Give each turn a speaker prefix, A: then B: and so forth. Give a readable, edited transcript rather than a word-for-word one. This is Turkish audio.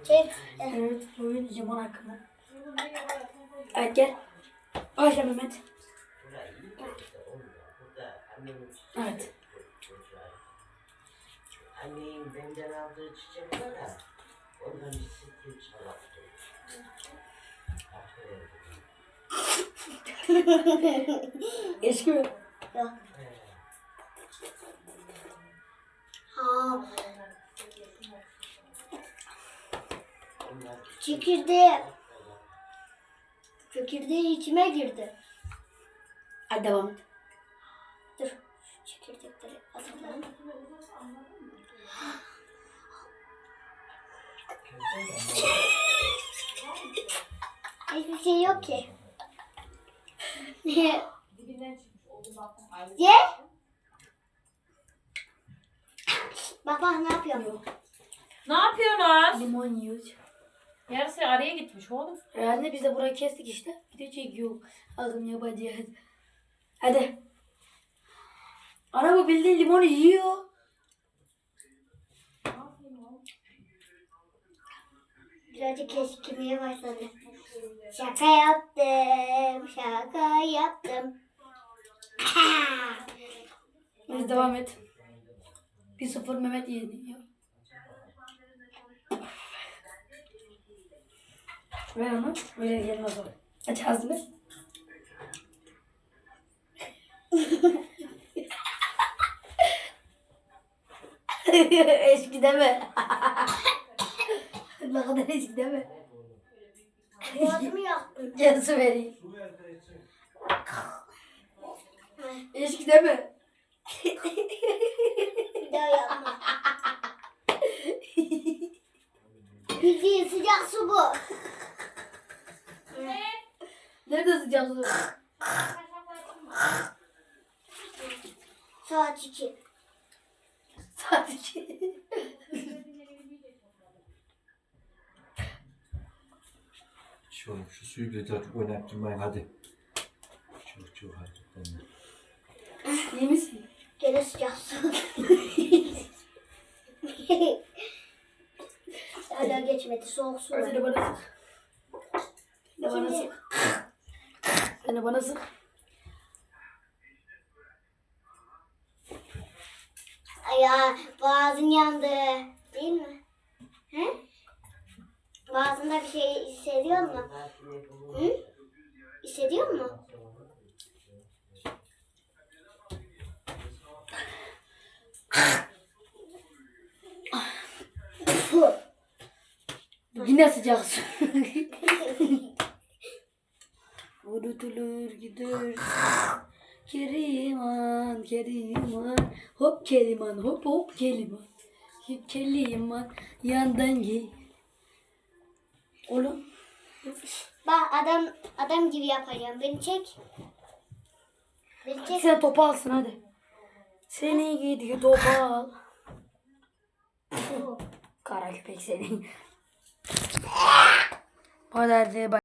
A: Çek.
B: Evet, bugün limon hakkında. Evet, gel. Başla Mehmet. Evet.
C: Annenin benden aldığı çiçek var ya, ondan bir sıkıntı çalaktı.
B: Eski mi?
A: Yok. Ha. Çekirdeği içime girdi.
B: Hadi devam et.
A: Dur. Çekirdekleri atalım. Hiçbir şey yok ki. Ye. Bak ne yapıyorum?
B: Yok.
D: Ne yapıyorsunuz?
B: Limon yiyoruz.
D: Yarısı araya gitmiş oğlum.
B: Herhalde biz de burayı kestik işte. Bir de çekiyor. Ağzım yapacağız. Hadi. Ana bu bildiğin limonu yiyor.
A: Birazcık keskimeye başladı. Şaka yaptım. Şaka yaptım.
B: Hadi devam et. 1-0 Mehmet yeniyor. Ver onu. Böyle gelmez o. Aç ağzını. Eski deme. Ne kadar eski deme.
A: Boğazımı yaktın.
B: Gel su vereyim. Eski deme.
A: Bir daha yapma. Bildiğin sıcak su bu.
B: Nerede sıcak su?
A: Saat 2.
B: Saat 2.
E: Şu suyu bir de artık oynattırmayın hadi. Çok hadi.
B: İyi misin?
A: Gene sıcak su. Hala geçmedi. Soğuk su.
B: Sen de bana sık. Sen de bana sık. Sen de bana sık.
A: Ay ya boğazın yandı. Değil mi? He? Boğazında bir şey hissediyor musun? Hı? Hissediyor musun?
B: Yine sıcak su. Unutulur gider. Keriman, Keriman. Hop Keriman, hop hop Keriman. Keriman, yandan gel. Oğlum.
A: Bak adam gibi yapacağım. Beni çek. Beni çek.
B: Sen topu alsın hadi. Seni gidiyor topu al. Kara köpek seni. Hadi hadi.